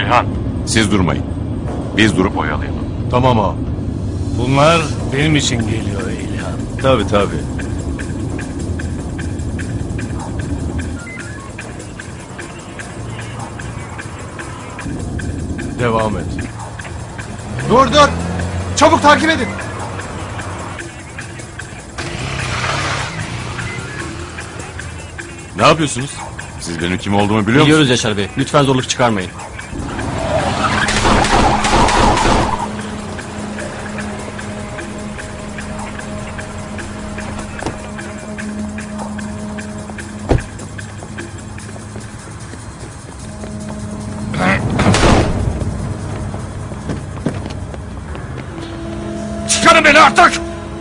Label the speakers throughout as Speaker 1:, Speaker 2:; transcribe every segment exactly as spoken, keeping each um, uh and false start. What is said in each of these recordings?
Speaker 1: İlhan, siz durmayın. Biz durup oyalayalım.
Speaker 2: Tamam ağam. Bunlar benim için geliyor İlhan.
Speaker 3: Tabii tabii.
Speaker 2: Devam et.
Speaker 4: Dur dur. Çabuk takip edin.
Speaker 1: Ne yapıyorsunuz? Siz benim kim olduğumu biliyor musunuz?
Speaker 5: Biliyoruz Yaşar Bey. Lütfen zorluk çıkarmayın.
Speaker 2: Çıkarın beni artık!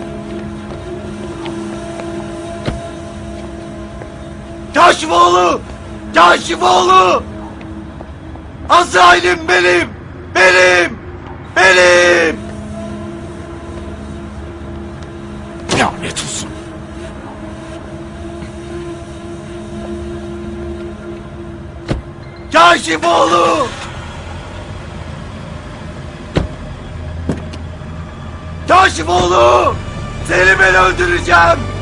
Speaker 4: Kaşimoğlu! Kaşimoğlu! Azrail'im benim! Benim! Benim!
Speaker 2: Lanet olsun.
Speaker 4: Kaşimoğlu! Kaşimoğlu! Seni ben öldüreceğim!